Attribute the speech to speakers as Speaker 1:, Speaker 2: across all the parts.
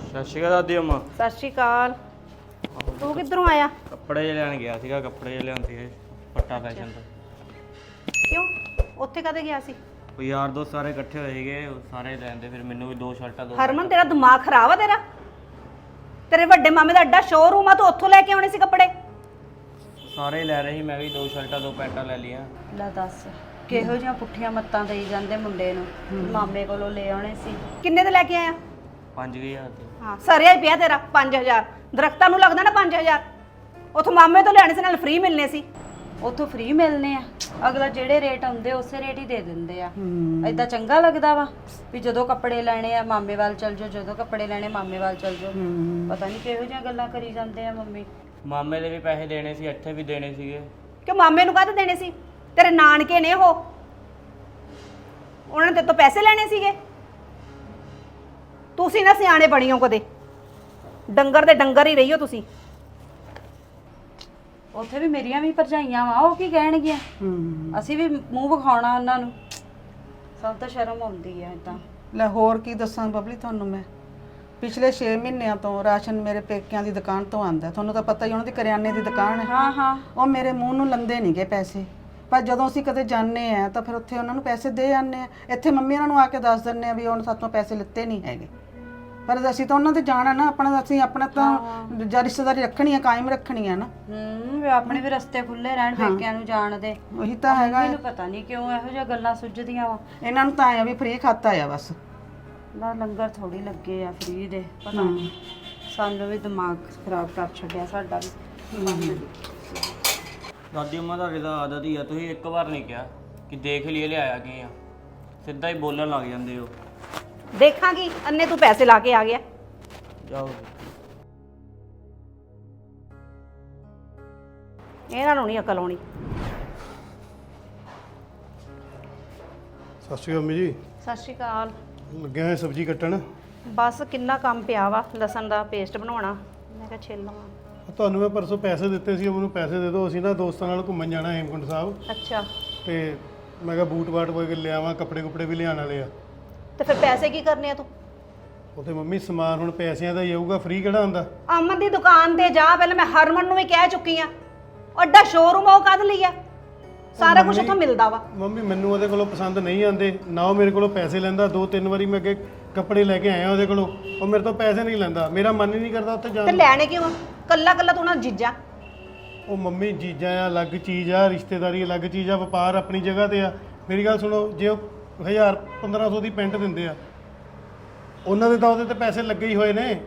Speaker 1: ਸਤਿ ਸ਼੍ਰੀ ਅਕਾਲ ਦਾਦੀ ਅੰਮਾ।
Speaker 2: ਸਤਿ ਸ਼੍ਰੀ ਅਕਾਲ। ਤੂੰ ਕਿੱਧਰੋਂ ਆਇਆ?
Speaker 1: ਕੱਪੜੇ ਜਿਹੇ ਲੈਣ ਗਿਆ ਸੀਗਾ, ਕੱਪੜੇ ਜਿਹੇ ਲਿਆਂਦੇ ਸੀ ਪੱਟਾ ਫੈਸ਼ਨ ਤੋਂ।
Speaker 2: ਕਿਉਂ? ਉੱਥੇ ਕਦੇ ਗਿਆ ਸੀ?
Speaker 1: ਉਹ ਯਾਰ ਦੋਸਤ ਸਾਰੇ ਇਕੱਠੇ ਹੋਏ ਸੀਗੇ, ਉਹ ਸਾਰੇ ਲੈਂਦੇ, ਫਿਰ ਮੈਨੂੰ ਵੀ ਦੋ ਸ਼ਰਟਾਂ ਦੋ।
Speaker 2: ਹਰਮਨ ਤੇਰਾ ਦਿਮਾਗ ਖਰਾਬ ਆ ਤੇਰਾ? ਤੇਰੇ ਵੱਡੇ ਮਾਮੇ ਦਾ ਅੱਡਾ ਸ਼ੋਰੂਮ ਆ, ਤੂੰ ਉੱਥੋਂ ਲੈ ਕੇ ਆਉਣੇ ਸੀ ਕੱਪੜੇ।
Speaker 1: ਸਾਰੇ ਲੈ ਰਹੇ ਸੀ, ਮੈਂ ਵੀ ਦੋ ਸ਼ਰਟਾਂ ਦੋ ਪੈਂਟਾਂ ਲੈ ਲਈਆਂ।
Speaker 3: ਲੈ ਦੱਸ ਕਿਹੋ ਜਿਹੀਆਂ ਪੁੱਠੀਆਂ ਮੱਤਾਂ ਦੇਈ ਜਾਂਦੇ ਮੁੰਡੇ ਨੂੰ। ਮਾਮੇ ਕੋਲੋਂ ਲੈ ਆਉਣੇ ਸੀ।
Speaker 2: ਕਿੰਨੇ ਦੇ ਲੈ ਕੇ ਆਇਆ?
Speaker 1: 5000 ਦੇ।
Speaker 2: ਹਾਂ ਸਰਿਆ ਹੀ ਪਿਆ ਤੇਰਾ 5000। ਦਰਖਤਾਂ ਨੂੰ ਲੱਗਦਾ ਨਾ 5000। ਉੱਥੋਂ ਮਾਮੇ ਤੋਂ ਲੈਣੇ ਸੀ, ਨਾਲ ਫ੍ਰੀ ਮਿਲਨੇ ਸੀ।
Speaker 3: ਉੱਥੋਂ ਫ੍ਰੀ ਮਿਲਨੇ ਆ? ਅਗਲਾ ਜਿਹੜੇ ਰੇਟ ਆਉਂਦੇ ਉਸੇ ਰੇਟ ਹੀ ਦੇ ਦਿੰਦੇ ਆ। ਐਦਾਂ ਚੰਗਾ ਲੱਗਦਾ ਵਾ ਵੀ ਜਦੋਂ ਕੱਪੜੇ ਲੈਣੇ ਆ ਮਾਮੇ ਵੱਲ ਚੱਲ ਜਾਓ, ਜਦੋਂ ਕੱਪੜੇ ਲੈਣੇ ਮਾਮੇ ਵੱਲ ਚੱਲ ਜਾਓ। ਪਤਾ ਨਹੀਂ ਕਿਹੋ ਜਿਹੀਆਂ ਗੱਲਾਂ ਕਰੀ ਜਾਂਦੇ ਆ ਮੰਮੀ।
Speaker 1: ਮਾਮੇ ਦੇ ਵੀ ਪੈਸੇ ਦੇਣੇ ਸੀ, ਇੱਥੇ ਵੀ ਦੇਣੇ ਸੀਗੇ।
Speaker 2: ਕਿ ਮਾਮੇ ਨੂੰ ਕਾਹਦੇ ਦੇਣੇ ਸੀ? ਤੇਰੇ ਨਾਨਕੇ ਨੇ ਉਹ, ਉਹਨਾਂ ਨੇ ਤੇਰੇ ਤੋਂ ਪੈਸੇ ਲੈਣੇ ਸੀਗੇ। ਤੁਸੀਂ ਨਾ ਸਿਆਣੇ ਬਣਿਓ ਕਦੇ, ਡੰਗਰ ਦੇ ਡੰਗਰ ਹੀ ਰਹੀਓ ਤੁਸੀਂ।
Speaker 3: ਉੱਥੇ ਵੀ ਮੇਰੀਆਂ ਵੀ ਭਰਜਾਈਆਂ ਵਾ, ਉਹ ਕੀ ਕਹਿਣਗੀਆਂ? ਅਸੀਂ ਵੀ ਮੂੰਹ ਵਿਖਾਉਣਾ ਉਹਨਾਂ ਨੂੰ। ਸਭ ਤੋਂ ਸ਼ਰਮ ਆਉਂਦੀ ਆ ਇਦਾਂ।
Speaker 4: ਲੈ ਹੋਰ ਕੀ ਦੱਸਾਂ ਬਬਲੀ ਤੁਹਾਨੂੰ ਮੈਂ। ਪਿਛਲੇ 6 ਮਹੀਨਿਆਂ ਤੋਂ ਰਾਸ਼ਨ ਮੇਰੇ ਪੇਕਿਆਂ ਦੀ ਦੁਕਾਨ ਤੋਂ ਆਂਦਾ। ਤੁਹਾਨੂੰ ਤਾਂ ਪਤਾ ਹੀ, ਉਹਨਾਂ ਦੀ ਕਰਿਆਨੇ ਦੀ ਦੁਕਾਨ ਹੈ।
Speaker 3: ਹਾਂ ਹਾਂ।
Speaker 4: ਉਹ ਮੇਰੇ ਮੂੰਹ ਨੂੰ ਲੰਦੇ ਨਹੀਂਗੇ ਪੈਸੇ, ਪਰ ਜਦੋਂ ਅਸੀਂ ਕਦੇ ਜਾਂਦੇ ਆ ਤਾਂ ਫਿਰ ਉੱਥੇ ਉਹਨਾਂ ਨੂੰ ਪੈਸੇ ਦੇ ਆਨੇ ਆ। ਇੱਥੇ ਮੰਮੀ ਉਹਨਾਂ ਨੂੰ ਆ ਕੇ ਦੱਸ ਦਿੰਦੇ ਆ ਵੀ ਉਹਨਾਂ ਸਾਤੋਂ ਪੈਸੇ ਲਿੱਤੇ ਨਹੀਂ ਹੈਗੇ। ਪਰ ਅਸੀਂ ਤਾਂ ਉਹਨਾਂ ਤੇ ਜਾਣਾ ਨਾ, ਅਸੀਂ ਆਪਣਾ ਤਾਂ ਜਾਂ ਰਿਸ਼ਤੇਦਾਰੀ ਰੱਖਣੀ ਆ, ਕਾਇਮ ਰੱਖਣੀ ਆ ਨਾ।
Speaker 3: ਵੀ ਆਪਣੇ ਵੀ ਰਸਤੇ ਖੁੱਲੇ ਰਹਿਣ ਪੇਕਿਆਂ ਨੂੰ ਜਾਣ ਦੇ।
Speaker 4: ਉਹੀ ਤਾਂ ਹੈਗਾ।
Speaker 3: ਮੈਨੂੰ ਪਤਾ ਨਹੀਂ ਕਿਉਂ ਇਹੋ ਜਿਹੀਆਂ ਗੱਲਾਂ ਸੁੱਝਦੀਆਂ ਵਾ
Speaker 4: ਇਹਨਾਂ ਨੂੰ ਤਾਂ ਆਇਆ ਵੀ ਫ੍ਰੀ ਖਾਤਾ ਆ ਬਸ।
Speaker 3: ਨਾ ਲੰਗਰ ਥੋੜੀ ਲੱਗੇ ਆ ਫ੍ਰੀ ਦੇ। ਪਤਾ ਨਹੀਂ ਸਾਨੂੰ ਵੀ ਦਿਮਾਗ ਖਰਾਬ ਕਰ ਛੱਡਿਆ ਸਾਡਾ ਵੀ।
Speaker 1: ਦਾਦੀ ਅੰਮਾ ਤੁਹਾਡੀ ਤਾਂ ਆਦਤ ਹੀ ਆ, ਤੁਸੀਂ ਇੱਕ ਵਾਰ ਨਹੀਂ ਕਿਹਾ ਕਿ ਦੇਖ ਲਈਏ ਲਿਆਇਆ ਕੀ ਆ, ਸਿੱਧਾ ਹੀ ਬੋਲਣ ਲੱਗ ਜਾਂਦੇ ਹੋ।
Speaker 2: ਦੇਖਾਂਗੀ ਅੰਨੇ ਤੂੰ ਪੈਸੇ ਲਾ ਕੇ ਆ ਗਿਆ।
Speaker 1: ਜਾਓ।
Speaker 2: ਇਹਨਾਂ ਨੂੰ ਨਹੀਂ ਅਕਲ ਆਉਣੀ।
Speaker 5: ਸਤਿ ਸ਼੍ਰੀ ਅਕਾਲ ਮੰਮੀ ਜੀ।
Speaker 2: ਸਤਿ ਸ਼੍ਰੀ ਅਕਾਲ।
Speaker 5: ਲੱਗਿਆ ਹੋਇਆ ਸਬਜ਼ੀ ਕੱਟਣ।
Speaker 2: ਬਸ ਕਿੰਨਾ ਕੰਮ ਪਿਆ ਵਾ, ਲਸਣ ਦਾ ਪੇਸਟ ਬਣਾਉਣਾ, ਮੈਂ ਕਿਹਾ ਛਿੱਲ ਲਵਾਂ।
Speaker 5: ਤੁਹਾਨੂੰ ਮੈਂ ਪਰਸੋਂ ਪੈਸੇ ਦਿੱਤੇ ਸੀ, ਮੈਨੂੰ ਪੈਸੇ ਦੇ ਦਿਓ। ਅਸੀਂ ਨਾ ਦੋਸਤਾਂ ਨਾਲ ਘੁੰਮਣ ਜਾਣਾ ਹੇਮਕੁੰਟ ਸਾਹਿਬ,
Speaker 2: ਅੱਛਾ,
Speaker 5: ਤੇ ਮੈਂ ਕਿਹਾ ਬੂਟ ਬਾਟ ਵਗੈਰਾ ਲਿਆਵਾਂ, ਕੱਪੜੇ ਕੁਪੜੇ ਵੀ ਲਿਆਉਣ ਵਾਲੇ ਆ।
Speaker 2: ਤੇ ਫਿਰ ਪੈਸੇ ਕੀ ਕਰਨੇ ਆ ਤੂੰ?
Speaker 5: ਉੱਥੇ ਮੰਮੀ ਸਮਾਨ ਹੁਣ ਪੈਸਿਆਂ ਦਾ ਹੀ ਆਊਗਾ, ਫ੍ਰੀ ਕਿਹੜਾ ਹੁੰਦਾ।
Speaker 2: ਅਮਨ ਦੀ ਦੁਕਾਨ ਤੇ ਜਾ, ਪਹਿਲਾਂ ਮੈਂ ਹਰਮਨ ਨੂੰ ਵੀ ਕਹਿ ਚੁੱਕੀ ਆ। ਅੱਡਾ ਸ਼ੋਰੂਮ ਉਹ ਕਦ ਲਈ ਆ? ਸਾਰਾ ਕੁਝ ਉੱਥੋਂ ਮਿਲਦਾ ਵਾ।
Speaker 5: ਮੰਮੀ ਮੈਨੂੰ ਉਹਦੇ ਕੋਲੋਂ ਪਸੰਦ ਨਹੀਂ ਆਉਂਦੇ, ਨਾ ਉਹ ਮੇਰੇ ਕੋਲੋਂ ਪੈਸੇ ਲੈਂਦਾ। 2-3 ਵਾਰੀ ਮੈਂ ਅੱਗੇ ਕੱਪੜੇ ਲੈ ਕੇ ਆਇਆ ਉਹਦੇ ਕੋਲੋਂ, ਉਹ ਮੇਰੇ ਤੋਂ ਪੈਸੇ ਨਹੀਂ ਲੈਂਦਾ। ਮੇਰਾ ਮਨ ਹੀ ਨਹੀਂ ਕਰਦਾ ਉੱਥੇ ਜਾਣ
Speaker 2: ਤੇ
Speaker 5: ਨੂੰ।
Speaker 2: ਲੈਣੇ ਕਿਉਂ ਆ? ਕੱਲਾ ਕੱਲਾ ਤੂੰ ਨਾ ਜੀਜਾ।
Speaker 5: ਉਹ ਮੰਮੀ ਜੀਜਾਂ ਆ ਅਲੱਗ ਚੀਜ਼ ਆ, ਰਿਸ਼ਤੇਦਾਰੀ ਅਲੱਗ ਚੀਜ਼ ਆ, ਵਪਾਰ ਆਪਣੀ ਜਗ੍ਹਾ ਤੇ ਆ। ਮੇਰੀ ਗੱਲ ਸੁਣੋ, ਜੇ ਉਹ 1000-1500 ਦੀ ਪੈਂਟ ਦਿੰਦੇ ਆ, ਉਹਨਾਂ ਦੇ ਤਾਂ ਉਹਦੇ ਤੇ ਪੈਸੇ ਲੱਗੇ ਹੀ ਹੋਏ ਨੇ।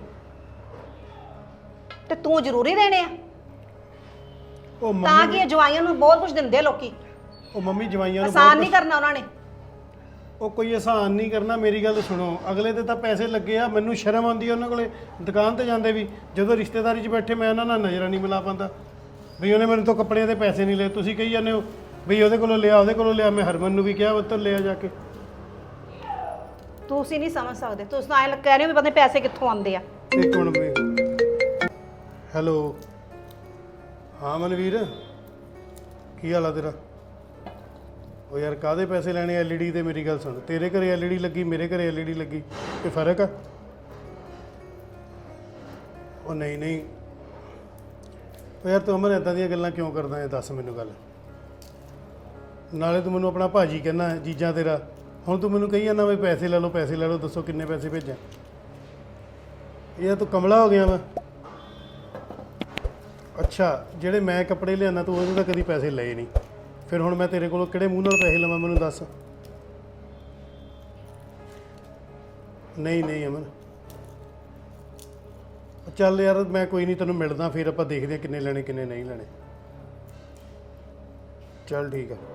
Speaker 2: ਤੇ ਤੂੰ ਜ਼ਰੂਰੀ ਦੇਣੇ ਆ?
Speaker 5: ਉਹ
Speaker 2: ਤਾਂ
Speaker 5: ਮੰਮੀ
Speaker 2: ਕਿ ਇਹ ਜਵਾਈਆਂ ਨੂੰ ਬਹੁਤ ਕੁਝ ਦਿੰਦੇ ਆ ਲੋਕੀ।
Speaker 5: ਉਹ ਮੰਮੀ ਜਵਾਈਆਂ ਨੂੰ
Speaker 2: ਆਸਾਨ ਨਹੀਂ ਕਰਨਾ ਉਹਨਾਂ ਨੇ।
Speaker 5: ਉਹ ਕੋਈ ਆਸਾਨ ਨਹੀਂ ਕਰਨਾ। ਮੇਰੀ ਗੱਲ ਸੁਣੋ, ਅਗਲੇ ਦੇ ਤਾਂ ਪੈਸੇ ਲੱਗੇ ਆ। ਮੈਨੂੰ ਸ਼ਰਮ ਆਉਂਦੀ ਆ ਉਹਨਾਂ ਕੋਲੇ ਦੁਕਾਨ ਤੇ ਜਾਂਦੇ ਵੀ। ਜਦੋਂ ਰਿਸ਼ਤੇਦਾਰੀ 'ਚ ਬੈਠੇ ਮੈਂ ਉਹਨਾਂ ਨਾਲ ਨਜ਼ਰਾਂ ਨਹੀਂ ਮਿਲਾ ਪਾਉਂਦਾ ਵੀ ਉਹਨੇ ਮੈਨੂੰ ਤੋਂ ਕੱਪੜਿਆਂ ਦੇ ਪੈਸੇ ਨਹੀਂ ਲਏ। ਤੁਸੀਂ ਕਹੀ ਜਾਂਦੇ ਹੋ ਵੀ ਉਹਦੇ ਕੋਲੋਂ ਲਿਆ, ਉਹਦੇ ਕੋਲੋਂ ਲਿਆ। ਮੈਂ ਹਰਮਨ ਨੂੰ ਵੀ ਕਿਹਾ ਉੱਤੋਂ ਲਿਆ ਜਾ ਕੇ।
Speaker 2: ਤੁਸੀਂ ਨਹੀਂ ਸਮਝ ਸਕਦੇ, ਤੁਸੀਂ ਤਾਂ ਐਂ ਕਹਿ ਰਹੇ ਹੋ ਵੀ ਪਤਾ ਨਹੀਂ ਪੈਸੇ ਕਿੱਥੋਂ ਆਉਂਦੇ ਆ।
Speaker 5: ਇੱਕ ਮਿੰਟ। ਹੈਲੋ, ਹਾਂ ਮਨਵੀਰ, ਕੀ ਹਾਲ ਆ ਤੇਰਾ? ਉਹ ਯਾਰ ਕਾਹਦੇ ਪੈਸੇ ਲੈਣੇ ਐਲਈਡੀ ਦੇ? ਮੇਰੀ ਗੱਲ ਸੁਣ, ਤੇਰੇ ਘਰੇ ਐਲਈਡੀ ਲੱਗੀ, ਮੇਰੇ ਘਰੇ ਐਲਈਡੀ ਲੱਗੀ, ਇਹ ਫਰਕ ਆ? ਉਹ ਨਹੀਂ ਨਹੀਂ, ਉਹ ਯਾਰ ਤੂੰ ਅਮਰ ਇੱਦਾਂ ਦੀਆਂ ਗੱਲਾਂ ਕਿਉਂ ਕਰਦਾ ਹੈ? ਦੱਸ ਮੈਨੂੰ ਗੱਲ। ਨਾਲੇ ਤੂੰ ਮੈਨੂੰ ਆਪਣਾ ਭਾਜੀ ਕਹਿੰਦਾ, ਜੀਜਾ ਤੇਰਾ। ਹੁਣ ਤੂੰ ਮੈਨੂੰ ਕਹੀ ਜਾਂਦਾ ਵੀ ਪੈਸੇ ਲੈ ਲਓ, ਪੈਸੇ ਲੈ ਲਓ। ਦੱਸੋ ਕਿੰਨੇ ਪੈਸੇ ਭੇਜਾਂ? ਇਹ ਤੂੰ ਕਮਲਾ ਹੋ ਗਿਆ ਵਾ। ਅੱਛਾ, ਜਿਹੜੇ ਮੈਂ ਕੱਪੜੇ ਲਿਆਉਣਾ ਤੂੰ ਉਹਦੇ ਤਾਂ ਕਦੀ ਪੈਸੇ ਲਏ ਨਹੀਂ। ਫਿਰ ਹੁਣ ਮੈਂ ਤੇਰੇ ਕੋਲੋਂ ਕਿਹੜੇ ਮੂੰਹ ਨਾਲ ਪੈਸੇ ਲਵਾਂ? ਮੈਨੂੰ ਦੱਸ। ਨਹੀਂ ਨਹੀਂ ਅਮਨ, ਚੱਲ ਯਾਰ ਮੈਂ ਕੋਈ ਨਹੀਂ, ਤੈਨੂੰ ਮਿਲਦਾ, ਫਿਰ ਆਪਾਂ ਦੇਖਦੇ ਹਾਂ ਕਿੰਨੇ ਲੈਣੇ ਕਿੰਨੇ ਨਹੀਂ ਲੈਣੇ। ਚੱਲ ਠੀਕ ਆ।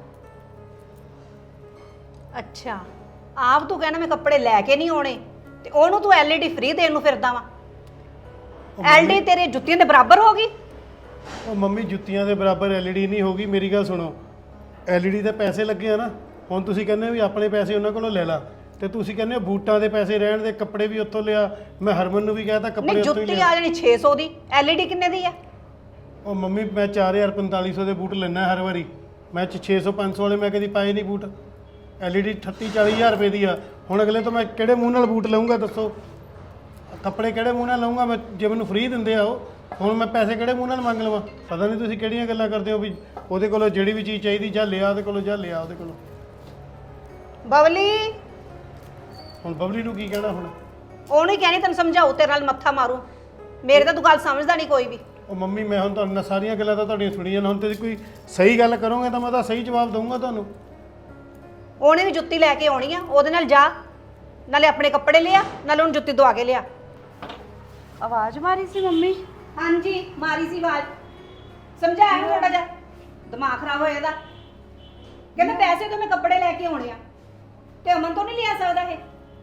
Speaker 2: ਅੱਛਾ, ਆਪ ਤੂੰ ਕਹਿਣਾ ਮੈਂ ਕੱਪੜੇ ਲੈ ਕੇ ਨਹੀਂ ਆਉਣੇ, ਤੇ ਉਹਨੂੰ ਤੂੰ ਐਲਈਡੀ ਫ੍ਰੀ ਦੇਣ ਨੂੰ ਫਿਰਦਾ ਵਾ। ਐਲਡੀ ਤੇਰੇ ਜੁੱਤੀਆਂ ਦੇ ਬਰਾਬਰ ਹੋ ਗਈ।
Speaker 5: ਉਹ ਮੰਮੀ ਜੁੱਤੀਆਂ ਦੇ ਬਰਾਬਰ ਐਲਈਡੀ ਨਹੀਂ ਹੋਗੀ। ਮੇਰੀ ਗੱਲ ਸੁਣੋ, ਐਲਈਡੀ ਦੇ ਪੈਸੇ ਲੱਗੇ ਆ ਨਾ। ਹੁਣ ਤੁਸੀਂ ਕਹਿੰਦੇ ਹੋ ਵੀ ਆਪਣੇ ਪੈਸੇ ਉਹਨਾਂ ਕੋਲੋਂ ਲੈ ਲਾ, ਤੇ ਤੁਸੀਂ ਕਹਿੰਦੇ ਹੋ ਬੂਟਾਂ ਦੇ ਪੈਸੇ ਰਹਿਣ ਦੇ, ਕੱਪੜੇ ਵੀ ਉੱਥੋਂ ਲਿਆ। ਮੈਂ ਹਰਮਨ ਨੂੰ ਵੀ ਕਹਿਤਾ ਕੱਪੜੇ
Speaker 2: ਨਹੀਂ,
Speaker 5: ਉੱਥੋਂ ਹੀ
Speaker 2: ਜੁੱਤੀ
Speaker 5: ਲਿਆ।
Speaker 2: ਆ ਜਾਣੀ 600 ਦੀ, ਐਲਈਡੀ ਕਿੰਨੇ ਦੀ ਆ?
Speaker 5: ਉਹ ਮੰਮੀ ਮੈਂ 4000-4500 ਦੇ ਬੂਟ ਲੈਣਾ ਹਰ ਵਾਰੀ। ਮੈਂ 600-500 ਵਾਲੇ ਮੈਂ ਕਦੀ ਪਾਏ ਨਹੀਂ ਬੂਟ। ਐਲਈਡੀ 38-40 ਹਜ਼ਾਰ ਰੁਪਏ ਦੀ ਆ। ਹੁਣ ਅਗਲੇ ਤੋਂ ਮੈਂ ਕਿਹੜੇ ਮੂੰਹ ਨਾਲ ਬੂਟ ਲਵਾਂਗਾ ਦੱਸੋ? ਕੱਪੜੇ ਕਿਹੜੇ ਮੂੰਹ ਨਾਲ ਲਵਾਂਗਾ ਮੈਂ? ਜੇ ਮੈਨੂੰ ਫ੍ਰੀ ਦਿੰਦੇ ਆ ਉਹ, ਹੁਣ ਮੈਂ ਪੈਸੇ ਕਿਹੜੇ ਮੂੰਹ ਨਾਲ ਮੰਗ ਲਵਾਂ? ਪਤਾ ਨਹੀਂ ਤੁਸੀਂ ਕਿਹੜੀਆਂ ਗੱਲਾਂ ਕਰਦੇ ਹੋ ਵੀ ਉਹਦੇ ਕੋਲੋਂ ਜਿਹੜੀ ਵੀ ਚੀਜ਼ ਚਾਹੀਦੀ ਜਾਂ ਲਿਆ ਉਹਦੇ ਕੋਲੋਂ, ਜਾਂ ਲਿਆ ਉਹਦੇ ਕੋਲੋਂ।
Speaker 2: ਬਬਲੀ,
Speaker 5: ਹੁਣ ਬਬਲੀ ਨੂੰ ਕੀ ਕਹਿਣਾ ਹੁਣ?
Speaker 2: ਉਹਨੂੰ ਹੀ ਕਹਿਣੀ ਤੈਨੂੰ ਸਮਝਾਉ, ਤੇਰੇ ਨਾਲ ਮੱਥਾ ਮਾਰੂ। ਮੇਰੇ ਤਾਂ ਤੂੰ ਗੱਲ ਸਮਝਦਾ ਨਹੀਂ ਕੋਈ ਵੀ।
Speaker 5: ਉਹ ਮੰਮੀ ਮੈਂ ਹੁਣ ਤੁਹਾਨੂੰ ਸਾਰੀਆਂ ਗੱਲਾਂ ਤਾਂ ਤੁਹਾਡੀਆਂ ਸੁਣੀਆਂ ਨੇ, ਹੁਣ ਤੁਸੀਂ ਕੋਈ ਸਹੀ ਗੱਲ ਕਰੋਗੇ ਤਾਂ ਮੈਂ ਤਾਂ ਸਹੀ ਜਵਾਬ ਦਊਂਗਾ ਤੁਹਾਨੂੰ।
Speaker 2: ਉਹਨੇ ਵੀ ਜੁੱਤੀ ਲੈ ਕੇ ਆਉਣੀ ਆ, ਉਹਦੇ ਨਾਲ ਜਾ, ਨਾਲੇ ਆਪਣੇ ਕੱਪੜੇ ਲਿਆ, ਨਾਲੇ ਉਹਨੂੰ ਜੁੱਤੀ ਦਵਾ ਕੇ ਲਿਆ।
Speaker 3: ਆਵਾਜ਼ ਮਾਰੀ ਸੀ ਮੰਮੀ?
Speaker 2: ਹਾਂਜੀ ਮਾਰੀ ਸੀ ਆਵਾਜ਼। ਸਮਝਾਇਆ ਨੂੰ ਥੋੜਾ ਜਿਹਾ, ਦਿਮਾਗ ਖਰਾਬ ਹੋਇਆ ਇਹਦਾ। ਕਹਿੰਦਾ ਪੈਸੇ ਤੋਂ ਮੈਂ ਕੱਪੜੇ ਲੈ ਕੇ ਆਉਣੇ ਆ, ਤੇ ਅਮਨ ਤੋਂ ਨਹੀਂ ਲਿਆ ਸਕਦਾ ਇਹ?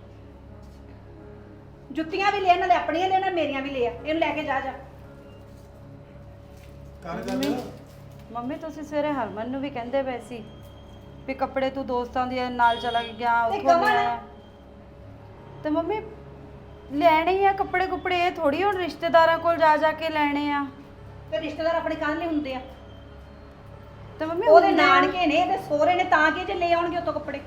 Speaker 2: ਜੁੱਤੀਆਂ ਵੀ ਲੈ, ਨਾਲੇ ਆਪਣੀਆਂ ਲੈ, ਨਾਲੇ ਮੇਰੀਆਂ ਵੀ ਲੈ ਆ, ਇਹਨੂੰ ਲੈ ਕੇ ਜਾ ਜਾ।
Speaker 5: ਕਰ ਗੱਲ।
Speaker 3: ਮੰਮੀ ਤੁਸੀਂ ਸਵੇਰੇ ਹਰਮਨ ਨੂੰ ਵੀ ਕਹਿੰਦੇ ਪਏ ਸੀ ਵੀ ਕੱਪੜੇ ਤੂੰ ਦੋਸਤਾਂ ਦੇ ਨਾਲ ਚਲਾ ਗਿਆ,
Speaker 2: ਤੇ
Speaker 3: ਉੱਥੋਂ
Speaker 2: ਕਮਲ?
Speaker 3: ਲਿਆਇਆ। ਤੇ ਮੰਮੀ ਲੈਣੇ ਹੀ ਆ ਕੱਪੜੇ ਕੁਪੜੇ, ਇਹ ਥੋੜੀ ਹੁਣ ਰਿਸ਼ਤੇਦਾਰਾਂ ਕੋਲ ਜਾ ਜਾ ਕੇ ਲੈਣੇ ਆ।
Speaker 2: ਤੇ ਰਿਸ਼ਤੇਦਾਰ ਆਪਣੇ ਕੱਲ ਲਈ ਹੁੰਦੇ ਆ,
Speaker 3: ਤੇ ਮੰਮੀ
Speaker 2: ਉਹਦੇ
Speaker 3: ਹੁੰਦੇ ਆ।
Speaker 2: ਨਾਨਕੇ ਨੇ ਤੇ ਸਹੁਰੇ ਨੇ, ਤਾਂ ਕਿ ਜੇ ਲੈ ਆਉਣਗੇ ਉਤੋਂ ਕੱਪੜੇ।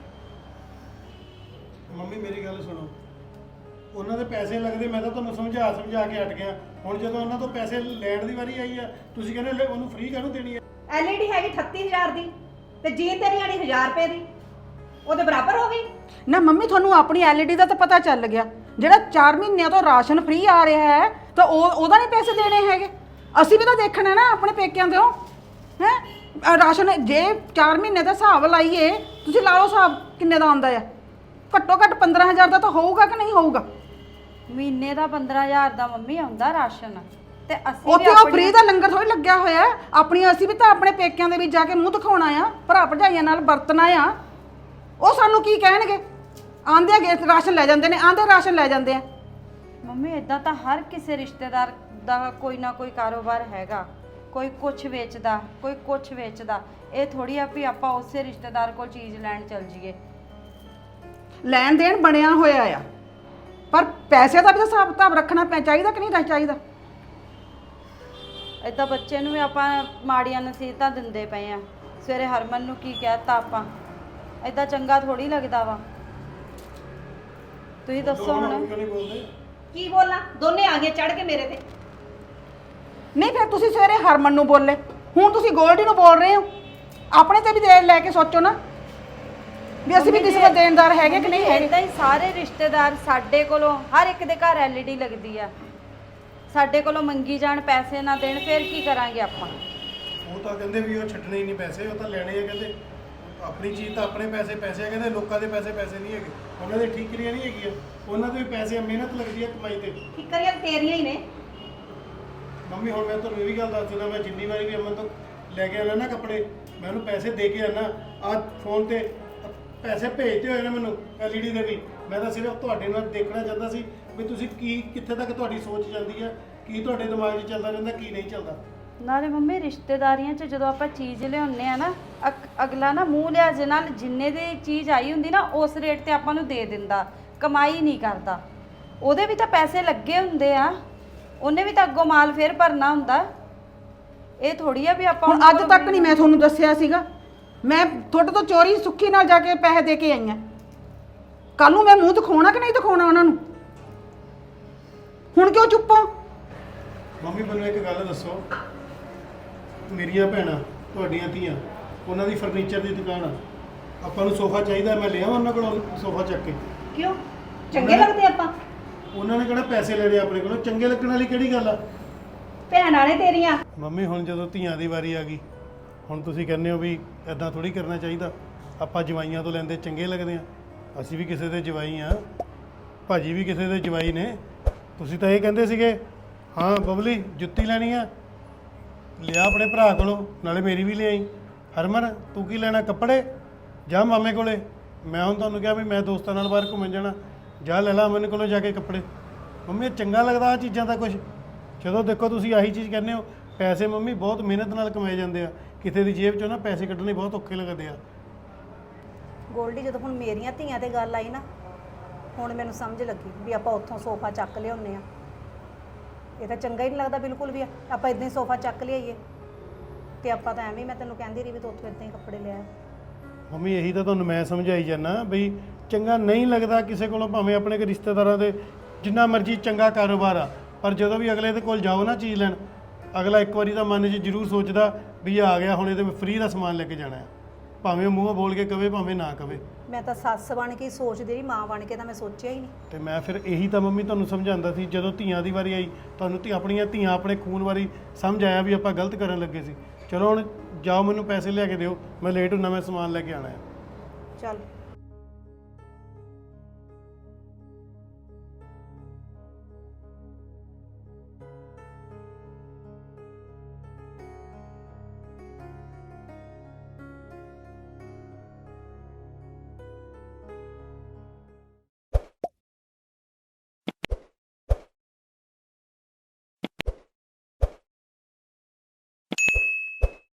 Speaker 5: ਮੰਮੀ ਮੇਰੀ ਗੱਲ ਸੁਣੋ, ਉਹਨਾਂ ਦੇ ਪੈਸੇ ਲੱਗਦੇ, ਮੈਂ ਤਾਂ ਤੁਹਾਨੂੰ ਸਮਝਾ ਕੇ ਹਟ ਗਿਆ। ਹੁਣ ਜਦੋਂ ਉਹਨਾਂ ਤੋਂ ਪੈਸੇ ਲੈਣ ਦੀ ਵਾਰੀ ਆਈ ਆ, ਤੁਸੀਂ ਕਹਿੰਦੇ ਉਹਨੂੰ ਫ੍ਰੀ ਕਾਹਨੂੰ ਦੇਣੀ ਹੈ?
Speaker 2: ਐਲਈਡੀ ਹੈਗੀ 38000 ਦੀ, ਤੇ ਜੀਨ ਤੇਰੀ ਆਣੀ 1000 ਰੁਪਏ ਦੀ, ਉਹਦੇ ਬਰਾਬਰ ਹੋ ਗਈ।
Speaker 4: ਨਾ ਮੰਮੀ ਤੁਹਾਨੂੰ ਆਪਣੀ ਐਲਈਡੀ ਦਾ ਤਾਂ ਪਤਾ ਚੱਲ ਗਿਆ, ਜਿਹੜਾ 4 ਮਹੀਨਿਆਂ ਤੋਂ ਰਾਸ਼ਨ ਫ੍ਰੀ ਆ ਰਿਹਾ ਹੈ ਤਾਂ ਉਹਦਾ ਨਹੀਂ ਪੈਸੇ ਦੇਣੇ ਹੈਗੇ? ਅਸੀਂ ਵੀ ਤਾਂ ਦੇਖਣਾ ਨਾ ਆਪਣੇ ਪੇਕਿਆਂ ਦੇ ਹੈ ਰਾਸ਼ਨ। ਜੇ 4 ਮਹੀਨੇ ਦਾ ਹਿਸਾਬ ਲਾਈਏ, ਤੁਸੀਂ ਲਾ ਲਓ ਹਿਸਾਬ ਕਿੰਨੇ ਦਾ ਆਉਂਦਾ ਆ। ਘੱਟੋ ਘੱਟ 15000 ਦਾ ਤਾਂ ਹੋਊਗਾ ਕਿ ਨਹੀਂ ਹੋਊਗਾ?
Speaker 3: ਮਹੀਨੇ ਦਾ 15000 ਦਾ ਮੰਮੀ ਆਉਂਦਾ ਰਾਸ਼ਨ, ਤੇ ਅਸੀਂ
Speaker 4: ਉੱਥੇ ਉਹ ਫ੍ਰੀ ਦਾ ਲੰਗਰ ਥੋੜੀ ਲੱਗਿਆ ਹੋਇਆ ਹੈ। ਆਪਣੀਆਂ ਅਸੀਂ ਵੀ ਤਾਂ ਆਪਣੇ ਪੇਕਿਆਂ ਦੇ ਵਿੱਚ ਜਾ ਕੇ ਮੂੰਹ ਦਿਖਾਉਣਾ ਆ, ਭਰਾ ਭਰਜਾਈਆਂ ਨਾਲ ਵਰਤਣਾ ਆ। ਉਹ ਸਾਨੂੰ ਕੀ ਕਹਿਣਗੇ? ਆਂਦੇ ਆ ਰਾਸ਼ਨ ਲੈ ਜਾਂਦੇ ਨੇ, ਆਂਦੇ ਰਾਸ਼ਨ ਲੈ ਜਾਂਦੇ ਆ।
Speaker 3: ਮੰਮੀ ਇਦਾਂ ਤਾਂ ਹਰ ਕਿਸੇ ਰਿਸ਼ਤੇਦਾਰ ਦਾ ਕੋਈ ਨਾ ਕੋਈ ਕਾਰੋਬਾਰ ਹੈਗਾ, ਕੋਈ ਕੁਝ ਵੇਚਦਾ, ਕੋਈ ਕੁਝ ਵੇਚਦਾ। ਇਹ ਥੋੜੀ ਆ ਵੀ ਆਪਾਂ ਉਸੇ ਰਿਸ਼ਤੇਦਾਰ ਕੋਲ ਚੀਜ਼ ਲੈਣ ਚੱਲ ਜਾਈਏ।
Speaker 4: ਲੈਣ ਦੇਣ ਬਣਿਆ ਹੋਇਆ ਆ, ਪਰ ਪੈਸੇ ਦਾ ਵੀ ਤਾਂ ਹਿਸਾਬ ਕਿਤਾਬ ਰੱਖਣਾ ਚਾਹੀਦਾ ਕਿ ਨਹੀਂ ਚਾਹੀਦਾ?
Speaker 3: ਇਦਾਂ ਬੱਚੇ ਨੂੰ ਵੀ ਆਪਾਂ ਮਾੜੀਆਂ ਨਸੀਹਤਾਂ ਦਿੰਦੇ ਪਏ ਆ। ਸਵੇਰੇ ਹਰਮਨ ਨੂੰ ਕੀ ਕਹਿਤਾ ਆਪਾਂ? ਇਦਾਂ ਚੰਗਾ ਥੋੜੀ ਲੱਗਦਾ ਵਾ। ਤੁਸੀਂ ਦੱਸੋ ਹੁਣ।
Speaker 5: ਕਿਉਂ ਨਹੀਂ ਬੋਲਦੇ?
Speaker 2: ਕੀ ਬੋਲਾਂ? ਦੋਨੇ ਆ ਗਏ ਚੜ ਕੇ ਮੇਰੇ ਤੇ।
Speaker 4: ਨਹੀਂ ਫਿਰ ਤੁਸੀਂ ਸਵੇਰੇ ਹਰਮਨ ਨੂੰ ਬੋਲੇ, ਹੁਣ ਤੁਸੀਂ ਗੋਲਡੀ ਨੂੰ ਬੋਲ ਰਹੇ ਹੋ। ਆਪਣੇ ਤੇ ਵੀ ਦੇ ਲੈ ਕੇ ਸੋਚੋ ਨਾ ਵੀ ਅਸੀਂ ਵੀ ਕਿਸੇ ਦਾ ਦੇਣਦਾਰ ਹੈਗੇ ਕਿ ਨਹੀਂ ਹੈਗੇ।
Speaker 3: ਇਦਾਂ ਹੀ ਸਾਰੇ ਰਿਸ਼ਤੇਦਾਰ ਸਾਡੇ ਕੋਲੋਂ, ਹਰ ਇੱਕ ਦੇ ਘਰ ਐਲਈਡੀ ਲੱਗਦੀ ਆ, ਸਾਡੇ ਕੋਲੋਂ ਮੰਗੀ ਜਾਣ, ਪੈਸੇ ਨਾ ਦੇਣ, ਫਿਰ ਕੀ ਕਰਾਂਗੇ ਆਪਾਂ?
Speaker 5: ਉਹ ਤਾਂ ਕਹਿੰਦੇ ਵੀ ਉਹ ਛੱਡਣੇ ਹੀ ਨਹੀਂ ਪੈਸੇ, ਉਹ ਤਾਂ ਲੈਣੇ ਆ। ਕਹਿੰਦੇ ਆਪਣੀ ਚੀਜ਼ ਤਾਂ ਆਪਣੇ ਪੈਸੇ ਆ, ਕਹਿੰਦੇ ਲੋਕਾਂ ਦੇ ਪੈਸੇ ਨਹੀਂ ਹੈਗੇ। ਉਹਨਾਂ ਦੇ ਠੀਕਰੀਆਂ ਨਹੀਂ ਹੈਗੀਆਂ, ਉਹਨਾਂ ਦੇ ਵੀ ਪੈਸੇ ਆ, ਮਿਹਨਤ ਲੱਗਦੀ ਹੈ ਕਮਾਈ ਤੇ।
Speaker 2: ਫਿਕਰੀਆਂ ਤੇਰੀਆਂ ਹੀ ਨੇ।
Speaker 5: ਮੰਮੀ ਹੁਣ ਮੈਂ ਤੁਹਾਨੂੰ ਇਹ ਵੀ ਗੱਲ ਦੱਸ ਦਿੰਦਾ, ਮੈਂ ਜਿੰਨੀ ਵਾਰੀ ਵੀ ਅਮਨ ਤੋਂ ਲੈ ਕੇ ਆਉਣਾ ਨਾ ਕੱਪੜੇ, ਮੈਂ ਉਹਨੂੰ ਪੈਸੇ ਦੇ ਕੇ ਆਉਣਾ। ਆਹ ਫੋਨ ਤੇ ਪੈਸੇ ਭੇਜਦੇ ਹੋਏ ਨੇ ਮੈਨੂੰ ਐਲਈਡੀ ਦੇ ਵੀ। ਮੈਂ ਤਾਂ ਸਿਰਫ ਤੁਹਾਡੇ ਨਾਲ ਦੇਖਣਾ ਚਾਹੁੰਦਾ ਸੀ ਵੀ ਤੁਸੀਂ ਕਿੱਥੇ ਤੱਕ ਤੁਹਾਡੀ ਸੋਚ ਜਾਂਦੀ ਹੈ, ਕੀ ਤੁਹਾਡੇ ਦਿਮਾਗ 'ਚ ਚੱਲਦਾ ਰਹਿੰਦਾ, ਕੀ ਨਹੀਂ ਚੱਲਦਾ।
Speaker 3: ਨਾਲੇ ਮੰਮੀ ਰਿਸ਼ਤੇਦਾਰੀਆਂ 'ਚ ਜਦੋਂ ਆਪਾਂ ਚੀਜ਼ ਲਿਆਉਂਦੇ ਆ ਨਾ, ਅਗਲਾ ਨਾ ਮੂੰਹ ਲਿਆਜੇ ਨਾਲ ਜਿੰਨੇ ਦੀ ਚੀਜ਼ ਆਈ ਹੁੰਦੀ ਨਾ, ਉਸ ਰੇਟ ਤੇ ਆਪਾਂ ਨੂੰ ਦੇ ਦਿੰਦਾ, ਕਮਾਈ ਨਹੀਂ ਕਰਦਾ। ਉਹਦੇ ਵੀ ਤਾਂ ਪੈਸੇ ਲੱਗੇ ਹੁੰਦੇ ਆ, ਉਹਨੇ ਵੀ ਤਾਂ ਅੱਗੋਂ ਮਾਲ ਫੇਰ ਭਰਨਾ ਹੁੰਦਾ। ਇਹ ਥੋੜੀ ਆ ਵੀ ਆਪਾਂ
Speaker 4: ਹੁਣ ਅੱਜ ਤੱਕ ਨਹੀਂ ਮੈਂ ਤੁਹਾਨੂੰ ਦੱਸਿਆ ਸੀਗਾ, ਮੈਂ ਤੁਹਾਡੇ ਤੋਂ ਚੋਰੀ ਸੁੱਖੀ ਨਾਲ ਜਾ ਕੇ ਪੈਸੇ ਦੇ ਕੇ ਆਈ ਆ। ਕੱਲ ਨੂੰ ਮੈਂ ਮੂੰਹ ਦਿਖਾਉਣਾ ਕਿ ਨਹੀਂ ਦਿਖਾਉਣਾ ਉਹਨਾਂ ਨੂੰ? ਹੁਣ ਕਿਉਂ ਚੁੱਪ ਹੋ?
Speaker 5: ਮੰਮੀ ਮੈਨੂੰ ਇੱਕ ਗੱਲ ਦੱਸੋ, ਮੇਰੀਆਂ ਭੈਣਾਂ, ਤੁਹਾਡੀਆਂ ਧੀਆਂ, ਉਹਨਾਂ ਦੀ ਫਰਨੀਚਰ ਦੀ ਦੁਕਾਨ ਆ, ਆਪਾਂ ਨੂੰ ਸੋਫਾ ਚਾਹੀਦਾ, ਮੈਂ ਲਿਆਵਾਂ ਉਹਨਾਂ ਕੋਲੋਂ ਸੋਫਾ ਚੱਕ ਕੇ?
Speaker 2: ਕਿਉਂ? ਚੰਗੇ ਲੱਗਦੇ ਆਪਾਂ?
Speaker 5: ਉਹਨਾਂ ਨੇ ਕਿਹੜਾ ਪੈਸੇ ਲੈਣੇ ਆਪਣੇ ਕੋਲੋਂ? ਚੰਗੇ ਲੱਗਣ ਵਾਲੀ ਕਿਹੜੀ ਗੱਲ ਆ?
Speaker 2: ਭੈਣਾਂ ਨੇ ਤੇਰੀਆਂ।
Speaker 5: ਮੰਮੀ ਹੁਣ ਜਦੋਂ ਧੀਆਂ ਦੀ ਵਾਰੀ ਆ ਗਈ, ਹੁਣ ਤੁਸੀਂ ਕਹਿੰਦੇ ਹੋ ਵੀ ਐਦਾਂ ਥੋੜੀ ਕਰਨਾ ਚਾਹੀਦਾ, ਆਪਾਂ ਜਵਾਈਆਂ ਤੋਂ ਲੈਂਦੇ ਚੰਗੇ ਲੱਗਦੇ ਆ। ਅਸੀਂ ਵੀ ਕਿਸੇ ਦੇ ਜਵਾਈ ਆ, ਭਾਜੀ ਵੀ ਕਿਸੇ ਦੇ ਜਵਾਈ ਨੇ। ਤੁਸੀਂ ਤਾਂ ਇਹ ਕਹਿੰਦੇ ਸੀਗੇ ਹਾਂ ਬਬਲੀ ਜੁੱਤੀ ਲੈਣੀ ਆ, ਲਿਆ ਆਪਣੇ ਭਰਾ ਕੋਲੋਂ, ਨਾਲੇ ਮੇਰੀ ਵੀ ਲਿਆਈ। ਹਰਮਨ ਤੂੰ ਕੀ ਲੈਣਾ? ਕੱਪੜੇ? ਜਾ ਮਾਮੇ ਕੋਲੇ। ਮੈਂ ਹੁਣ ਤੁਹਾਨੂੰ ਕਿਹਾ ਵੀ ਮੈਂ ਦੋਸਤਾਂ ਨਾਲ ਬਾਹਰ ਘੁੰਮਣ ਜਾਣਾ, ਜਾ ਲੈ ਲਾ ਮੈਨੂੰ ਕੋਲੋਂ ਜਾ ਕੇ ਕੱਪੜੇ। ਮੰਮੀ ਇਹ ਚੰਗਾ ਲੱਗਦਾ ਆ ਚੀਜ਼ਾਂ ਦਾ ਕੁਝ? ਜਦੋਂ ਦੇਖੋ ਤੁਸੀਂ ਆਹੀ ਚੀਜ਼ ਕਹਿੰਦੇ ਹੋ। ਪੈਸੇ ਮੰਮੀ ਬਹੁਤ ਮਿਹਨਤ ਨਾਲ ਕਮਾਏ ਜਾਂਦੇ ਆ, ਕਿਸੇ ਦੀ ਜੇਬ 'ਚੋਂ ਨਾ ਪੈਸੇ ਕੱਢਣੇ ਬਹੁਤ ਔਖੇ ਲੱਗਦੇ ਆ।
Speaker 2: ਗੋਲਡੀ, ਜਦੋਂ ਹੁਣ ਮੇਰੀਆਂ ਧੀਆਂ ਤੇ ਗੱਲ ਆਈ ਨਾ, ਹੁਣ ਮੈਨੂੰ ਸਮਝ ਲੱਗੀ ਵੀ ਆਪਾਂ ਉੱਥੋਂ ਸੋਫਾ ਚੱਕ ਲਿਆਉਂਦੇ ਆ। ਇਹ ਤਾਂ ਚੰਗਾ ਹੀ ਨਹੀਂ ਲੱਗਦਾ ਬਿਲਕੁਲ ਵੀ। ਆਪਾਂ ਇਦਾਂ ਹੀ ਸੋਫਾ ਚੱਕ ਲਿਆਈਏ, ਤੇ ਆਪਾਂ ਤਾਂ ਐਵੇਂ, ਮੈਂ ਤੈਨੂੰ ਕਹਿੰਦੀ ਰਹੀ ਵੀ ਤੂੰ ਉੱਥੋਂ ਇਦਾਂ ਹੀ ਕੱਪੜੇ ਲਿਆ।
Speaker 5: ਮੰਮੀ ਇਹੀ ਤਾਂ ਤੁਹਾਨੂੰ ਮੈਂ ਸਮਝਾਈ ਜਾਂਦਾ ਬਈ ਚੰਗਾ ਨਹੀਂ ਲੱਗਦਾ ਕਿਸੇ ਕੋਲੋਂ, ਭਾਵੇਂ ਆਪਣੇ ਰਿਸ਼ਤੇਦਾਰਾਂ ਦੇ ਜਿੰਨਾ ਮਰਜ਼ੀ ਚੰਗਾ ਕਾਰੋਬਾਰ ਆ, ਪਰ ਜਦੋਂ ਵੀ ਅਗਲੇ ਦੇ ਕੋਲ ਜਾਓ ਨਾ ਚੀਜ਼ ਲੈਣ, ਅਗਲਾ ਇੱਕ ਵਾਰੀ ਤਾਂ ਮਨ 'ਚ ਜ਼ਰੂਰ ਸੋਚਦਾ ਵੀ ਇਹ ਆ ਗਿਆ ਹੁਣ ਇਹਦੇ ਫ੍ਰੀ ਦਾ ਸਮਾਨ ਲੈ ਕੇ ਜਾਣਾ ਹੈ, ਭਾਵੇਂ ਉਹ ਮੂੰਹੋਂ ਬੋਲ ਕੇ ਕਵੇ ਭਾਵੇਂ ਨਾ ਕਵੇ।
Speaker 2: ਮੈਂ ਤਾਂ ਸੱਸ ਬਣ ਕੇ ਹੀ ਸੋਚਦੀ ਰਹੀ, ਮਾਂ ਬਣ ਕੇ ਤਾਂ ਮੈਂ ਸੋਚਿਆ ਹੀ ਨਹੀਂ।
Speaker 5: ਤੇ ਮੈਂ ਫਿਰ ਇਹੀ ਤਾਂ ਮੰਮੀ ਤੁਹਾਨੂੰ ਸਮਝਾਉਂਦਾ ਸੀ, ਜਦੋਂ ਧੀਆਂ ਦੀ ਵਾਰੀ ਆਈ ਤੁਹਾਨੂੰ ਆਪਣੀਆਂ ਧੀਆਂ ਆਪਣੇ ਖੂਨ ਵਾਰੀ ਸਮਝ ਆਇਆ ਵੀ ਆਪਾਂ ਗਲਤ ਕਰਨ ਲੱਗੇ ਸੀ। ਚਲੋ ਹੁਣ ਜਾਓ, ਮੈਨੂੰ ਪੈਸੇ ਲਿਆ ਕੇ ਦਿਓ, ਮੈਂ ਲੇਟ ਹੁੰਨਾ, ਮੈਂ ਸਮਾਨ ਲੈ ਕੇ ਆਣਾ ਹੈ।
Speaker 2: ਚੱਲ